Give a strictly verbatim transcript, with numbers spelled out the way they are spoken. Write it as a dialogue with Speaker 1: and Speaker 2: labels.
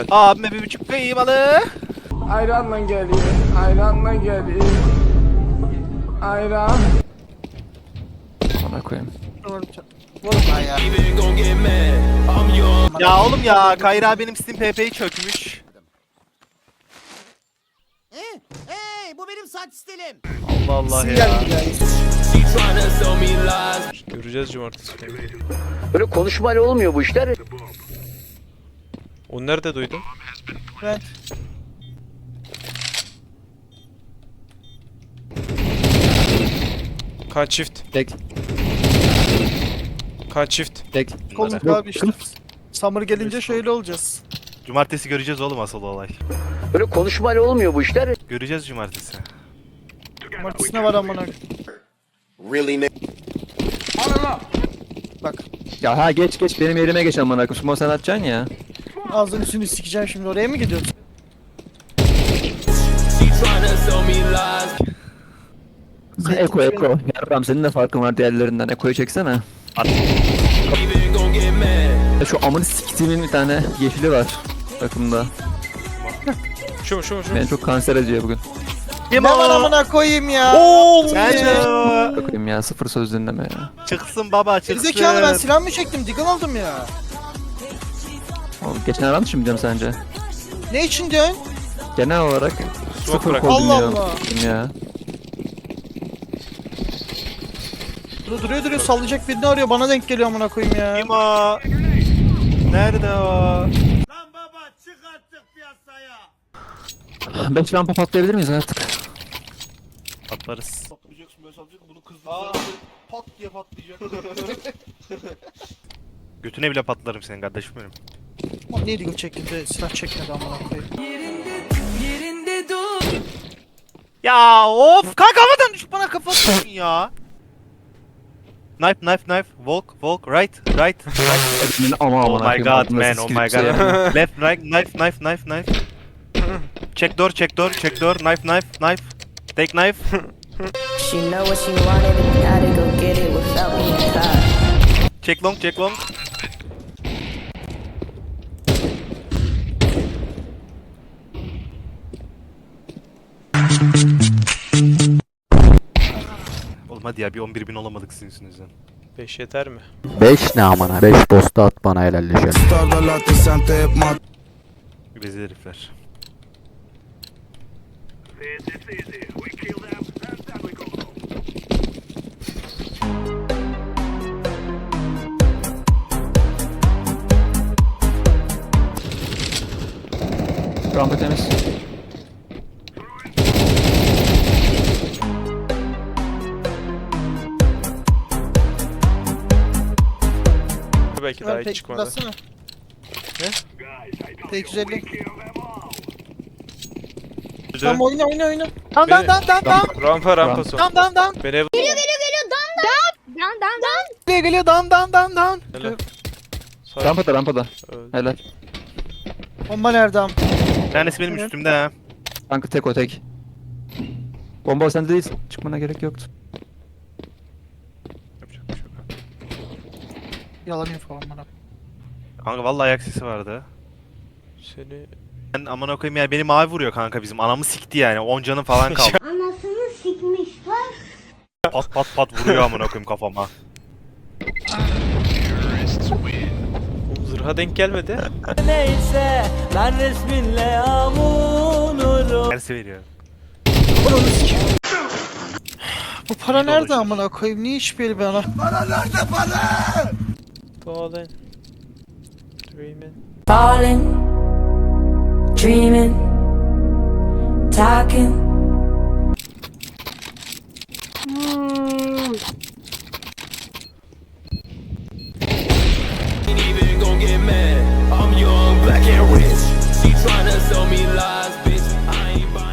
Speaker 1: Helal.
Speaker 2: Abime bir buçuk kıymalı.
Speaker 3: Ayranla geliyor, ayranla geliyor. Ayran.
Speaker 4: Ona koyayım.
Speaker 2: Vurma ya. Ya oğlum ya Kayra benim Steam P P'yi çökmüş.
Speaker 5: Hey, hey, bu benim saç stilim.
Speaker 2: Allah Allah ya.
Speaker 1: Göreceğiz cumartesi günü.
Speaker 6: Böyle konuşmayla olmuyor bu işler.
Speaker 1: Onu nerede duydun?
Speaker 5: Ben.
Speaker 1: Kaç çift?
Speaker 4: Tek.
Speaker 1: Kaç çift?
Speaker 4: Tek.
Speaker 7: Kolluk abi işte. Summer gelince şöyle olacağız.
Speaker 2: Cumartesi göreceğiz oğlum asıl olay.
Speaker 6: Böyle konuşmayla olmuyor bu işler.
Speaker 2: Göreceğiz cumartesi.
Speaker 7: Martisi ne var amına. Bak
Speaker 4: Ya ha geç geç benim yerime geç amına koyayım. Smoke sen atacaksın ya.
Speaker 7: ağzını üstünü sikeceğim şimdi, oraya mı gidiyorsun?
Speaker 4: Eko Eko. Yarram senin de farkın var diğerlerinden. Eko'yu çeksene.
Speaker 2: At.
Speaker 4: Ya şu amını siktiğimin bir tane yeşili var takımda.
Speaker 1: Şu mu şu mu şu mu?
Speaker 4: Beni çok kanser ediyor bugün.
Speaker 7: Ne var amına koyayım ya?
Speaker 2: Oğlum sen
Speaker 4: Bakayım ya sıfır söz dinleme ya.
Speaker 2: çıksın baba çıksın.
Speaker 7: Gerizekalı, ben silah mı çektim? Deagle aldım ya.
Speaker 4: Oğlum geçen ara mı diyeceğim sence?
Speaker 7: Ne için diyorsun?
Speaker 4: Genel olarak sıfır
Speaker 1: bırak.
Speaker 4: kol
Speaker 7: Allah
Speaker 4: dinliyorum
Speaker 7: Allah.
Speaker 4: ya.
Speaker 7: Dur, duruyor duruyor sallayacak birini arıyor, bana denk geliyor amına koyayım ya.
Speaker 2: Kim o? Nerede o?
Speaker 5: Lan baba çık artık piyasaya.
Speaker 4: beş rampa patlayabilir miyiz artık?
Speaker 2: Patlarız.
Speaker 3: Patlayacaksın böyle salacaksın bunu kızdırsan pat diye patlayacak.
Speaker 2: Götüne bile patlarım senin kardeşim benim.
Speaker 7: Ulan niye Deagle çektim de silah çekmedi amına koyayım.
Speaker 2: Ya of kanka havadan düş bana kafa atıyorsun ya. Knife knife knife walk walk right right right.
Speaker 4: Ama
Speaker 2: Oh my god man, oh my
Speaker 4: şey
Speaker 2: god. Left right knife knife knife knife. Check door check door check door knife knife knife. Take knife.
Speaker 8: She know what she wanted and gotta go get it without me in car.
Speaker 2: Check long check long. Oğlum hadi ya bir on bir bin olamadık sizin yüzünüzden.
Speaker 1: beş yeter mi?
Speaker 6: beş ne amına? beş dosta at bana helalleşelim.
Speaker 2: Rezil herifler.
Speaker 4: Rampa temiz.
Speaker 1: Belki daha
Speaker 7: Ver
Speaker 1: hiç
Speaker 7: tek
Speaker 1: çıkmadı.
Speaker 7: bassana.
Speaker 1: Ne?
Speaker 7: T iki yüz elli.
Speaker 2: Güzel.
Speaker 7: Tamam oyna oyna oyna.
Speaker 1: Beni-
Speaker 7: Tamam tamam tamam tamam.
Speaker 1: Rampa rampa son.
Speaker 7: Tamam tamam tamam.
Speaker 1: Beni ev...
Speaker 9: Down, down, down.
Speaker 7: Buraya geliyor, down down down down.
Speaker 1: Helal. Sağ-
Speaker 4: Rampada rampada.
Speaker 1: Öldü.
Speaker 4: Helal.
Speaker 7: Bomba nerede am?
Speaker 2: Bir tanesi benim
Speaker 7: Evet.
Speaker 2: üstümde ha.
Speaker 4: Kanka tek o tek. Bomba sende değil. Çıkmana gerek yoktu.
Speaker 2: Yapacak bir şey yok.
Speaker 7: Yalanıyor falan bana.
Speaker 2: Kanka vallahi ayak sesi vardı.
Speaker 1: Seni...
Speaker 2: Ben aman koyayım ya beni mavi vuruyor kanka bizim anamı sikti yani on canı falan kaldı.
Speaker 9: Anasını sikmiş lan.
Speaker 2: Pat pat pat vuruyor aman koyayım kafama.
Speaker 1: Oğlum zırha denk gelmedi.
Speaker 5: Neyse ben resminle yamunurum.
Speaker 2: Tersi veriyor.
Speaker 7: Bu para
Speaker 2: İyi
Speaker 7: nerede
Speaker 2: dolaşıyorsun.
Speaker 7: amına koyayım? Niye hiçbir yeri bana?
Speaker 1: Falling. Dreaming.
Speaker 8: Falling, dreaming, talking.
Speaker 5: I'm young, black and rich. She tryna sell me lies, bitch. I ain't buying.